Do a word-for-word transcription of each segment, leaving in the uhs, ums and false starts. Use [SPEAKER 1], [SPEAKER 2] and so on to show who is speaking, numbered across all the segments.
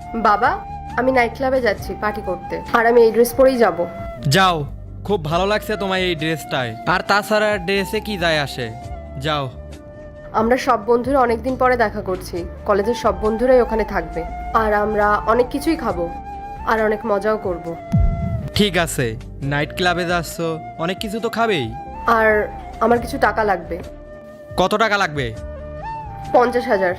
[SPEAKER 1] বাবা, আমি নাইট ক্লাবে যাচ্ছি পার্টি করতে, আর আমি এই ড্রেস পরেই যাব।
[SPEAKER 2] যাও, খুব ভালো লাগছে তোমার এই ড্রেসটায়। আর তাছাড়া ড্রেসে কি যায় আসে, যাও।
[SPEAKER 1] আমরা সব বন্ধুরা অনেকদিন পরে দেখা করছি, কলেজের সব বন্ধুরাই ওখানে থাকবে, আর আমরা অনেক কিছুই খাবো আর অনেক মজাও করব।
[SPEAKER 2] ঠিক আছে, নাইট ক্লাবে যাচ্ছ, অনেক কিছু তো খাবেই।
[SPEAKER 1] আর আমার কিছু টাকা লাগবে।
[SPEAKER 2] কত টাকা লাগবে?
[SPEAKER 1] পঞ্চাশ হাজার।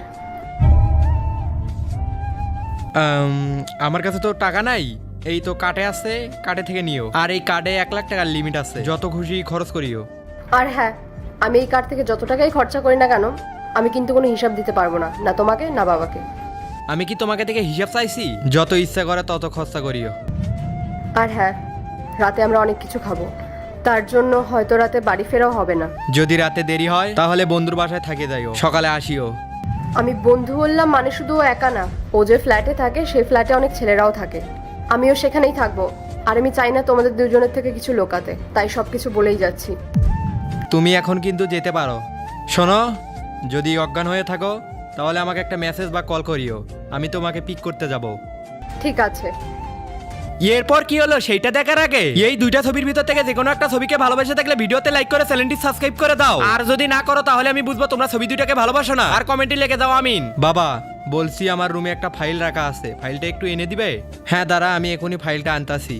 [SPEAKER 2] আম, আমার কাছে তো টাকা নাই, এই তো কার্ডে আছে, কার্ডে থেকে নিও। আর এই কার্ডে এক লাখ টাকার লিমিট আছে, যত খুশি খরচ করিও।
[SPEAKER 1] আর হ্যাঁ, আমি এই কার্ড থেকে যত টাকাই খরচা করি না কেন, আমি কিন্তু কোনো হিসাব দিতে পারবো না, না তোমাকে না বাবাকে।
[SPEAKER 2] আমি কি তোমাকে থেকে হিসাব চাইছি? যত ইচ্ছা করে তত খরচা করিও।
[SPEAKER 1] আর হ্যাঁ, রাতে আমরা অনেক কিছু খাবো, তার জন্য হয়তো রাতে বাড়ি ফেরাও হবে না।
[SPEAKER 2] যদি রাতে দেরি হয় তাহলে বন্ধুর বাসায় থাকে যাইও, সকালে আসিও।
[SPEAKER 1] আমি বন্ধু বললাম মানে শুধু ও একা না, ও যে ফ্ল্যাটে থাকে সেই ফ্ল্যাটে অনেক ছেলেরাও থাকে, আমিও সেখানেই থাকবো। আর আমি চাই না তোমাদের দুজনের থেকে কিছু লোকাতে, তাই সব কিছু বলেই যাচ্ছি।
[SPEAKER 2] তুমি এখন কিন্তু যেতে পারো। শোনো, যদি অজ্ঞান হয়ে থাকো তাহলে আমাকে একটা মেসেজ বা কল করিও, আমি তোমাকে পিক করতে যাব।
[SPEAKER 1] ঠিক আছে।
[SPEAKER 2] এরপর কি হলো সেইটা দেখার আগে এই দুইটা ছবির ভিতর থেকে যে কোনো একটা ছবিকে ভালোবেসে থাকলে ভিডিওতে লাইক করে চ্যানেলটি সাবস্ক্রাইব করে দাও। আর যদি না করো তাহলে আমি বুঝবো তোমরা ছবি দুইটাকে ভালোবাসো না। আর কমেন্টে লিখে দাও আমিন। বাবা, বলছি আমার রুমে একটা ফাইল রাখা আছে, ফাইলটা একটু এনে দিবে? হ্যাঁ দাঁড়া, আমি এখনই ফাইলটা আনতাছি।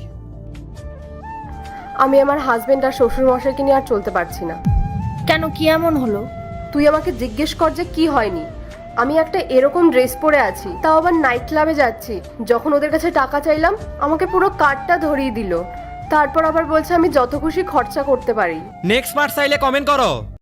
[SPEAKER 1] আমি আমার হাজবেন্ড আর শ্বশুর মশাইকে নিয়ে আর চলতে পারছি না।
[SPEAKER 3] কেন, কি এমন হলো?
[SPEAKER 1] তুই আমাকে জিজ্ঞেস কর যে কি হয়নি। আমি একটা এরকম ড্রেস পরে আছি, তাও আবার নাইট ক্লাবে যাচ্ছি, যখন ওদের কাছে টাকা চাইলাম আমাকে পুরো কার্ডটা ধরিয়ে দিল, তারপর আবার বলছে আমি যত খুশি খরচা করতে পারি।
[SPEAKER 2] নেক্সট পার্ট চাইলে কমেন্ট করো।